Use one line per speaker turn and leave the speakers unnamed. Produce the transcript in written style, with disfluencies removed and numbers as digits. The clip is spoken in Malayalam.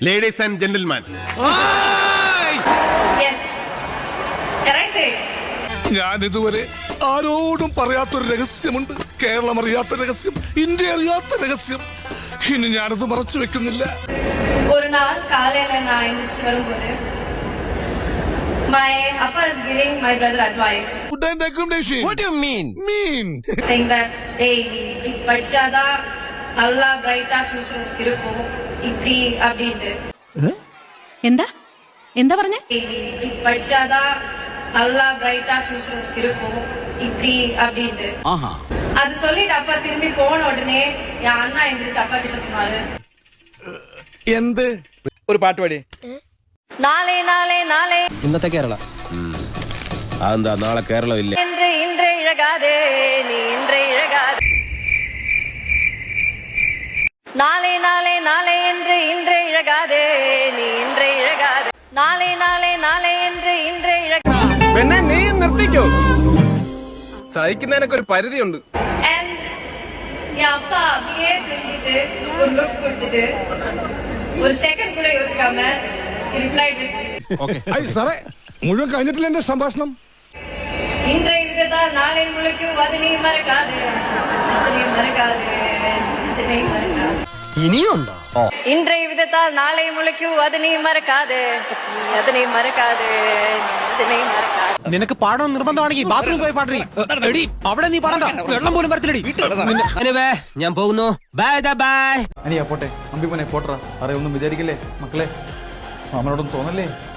Ladies and gentlemen.
Yes. Can I say?
ഞാൻ ഇതുവരെ ആരോടും പറയാത്തൊരു രഹസ്യമുണ്ട്. കേരളം അറിയാത്ത രഹസ്യം, ഇന്ത്യ അറിയാത്ത രഹസ്യം. ഇനി ഞാനത് മറച്ചു വെക്കുന്നില്ല.
ഒരു നാൾ കാലയില ഞാൻ എഴുന്നേറ്റ് വരുമ്പോൾ my appa is giving my brother advice.
Good and recommendation.
What do you mean?
Saying that hey പഠിച്ചാதான் നല്ല ബ്രൈറ്റാ ഫ്യൂച്ചർ இருக்கும் இப்படி அப்படிட்டு.
എന്താ എന്താ പറഞ്ഞ?
പഠിച്ചാதான் நல்ல ബ്രൈറ്റാ ഫ്യൂച്ചർ இருக்கும் இப்படி அப்படிட்டு. அது சொல்லிட்டு அப்பா திரும்பி போன உடனே என் அண்ணா எந்திரிச்சு அப்பா கிட்ட சொன்னாரு,
എന്ത്
ഒരു പാട്ട് പാടി.
നാളെ നാളെ നാളെ
ഇന്നത്തെ കേരള
അതെന്താ നാളെ കേരളം ഇല്ല?
என்று இன்றே இழகாதே நீ இன்றே இழகாதே. நாளை நாளை நாளை என்று இன்றே இழகாதே நீ இன்றே இழகாதே. നാളെ നാളെ നാളെ என்று ഇன்றേ ഇഴകാതെ.
പെണ്ണെ നീ നിർത്തിക്കോ, സഹിക്കുന്നതിനൊക്കെ ഒരു പരിധിയുണ്ട്.
And என் அப்பா அப்படியே திரும்பிட்டு ஒரு லுக் கொடுத்துட்டு ஒரு செகண்ட் கூட யோசிக்காம ரிப்ளைடு,
സാറേ, മുഴുവൻ കഴിഞ്ഞിട്ടില്ല എന്റെ സംഭാഷണം.
இன்றைய விதத்தால் நாளை முளைக்கும் அது நீ மறக்காது, அது நீ மறக்காது, அது நீ மறக்காது.
ഇനിയുണ്ടോ?
இன்றைய விதத்தால் நாளை முளைக்கும் அது நீ மறக்காது, அது நீ മറക്കാതെ, അത് നീ മറക്കാതെ.
നിനക്ക് പാടണം നിർബന്ധമാണെങ്കിൽ ബാത്റൂമിൽ പോയി പാടറി. അവിടെ നീ പാടണ്ട, വെള്ളം പോലും വരത്തില്ലടി. ഞാൻ പോകുന്നു. Bye bye.
അനിയാ പോട്ടെ, അമ്പി പോനെ പോട്ടറ. അറിയൊന്നും വിചാരിക്കില്ലേ മക്കളെ, മാമനോടൊന്നും തോന്നല്ലേ?